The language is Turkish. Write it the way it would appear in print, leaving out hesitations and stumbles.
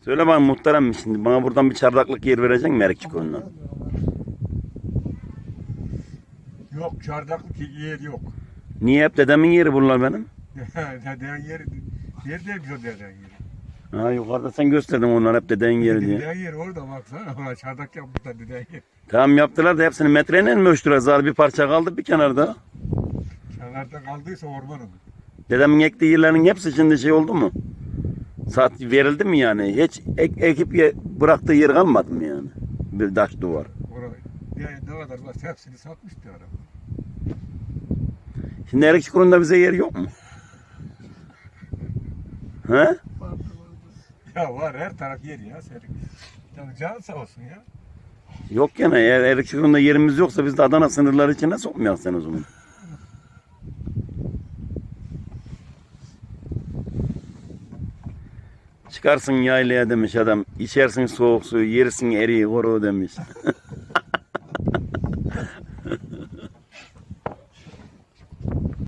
Söyle bana muhterem şimdi bana buradan bir çardaklık yer verecek mi Erikçiköylü'ne? Yok, çardaklık yer yok. Niye hep dedemin yeri bunlar benim? Deden yeri, yer değil o deden yeri. Ha yukarıda sen gösterdin onlar hep dedenin yeri diye. Deden yeri orada baksana. Ona çardak yapmışlar deden yeri. Tamam yaptılar da hepsini metreyle mi ölçtüler? Zar bir parça kaldı bir kenarda. Kenarda kaldıysa orman olur. Dedemin ektiği yerlerin hepsi şimdi şey oldu mu? Saat verildi mi yani? Hiç ekip bıraktığı yer kalmadı mı yani? Bir taş duvar. Oraya ne kadar var hepsini satmıştı adam. Şimdi Erikçiköylü'nde bize yer yok mu? He? Ya var her taraf yer ya senin. Ya canın sağ olsun ya. Yok gene eğer Erikçiköylü'nde yerimiz yoksa biz de Adana sınırları içine sokmayalım sen o zaman. Çıkarsın yaylaya demiş adam. İçersin soğuk suyu, yersin eriği koru demiş.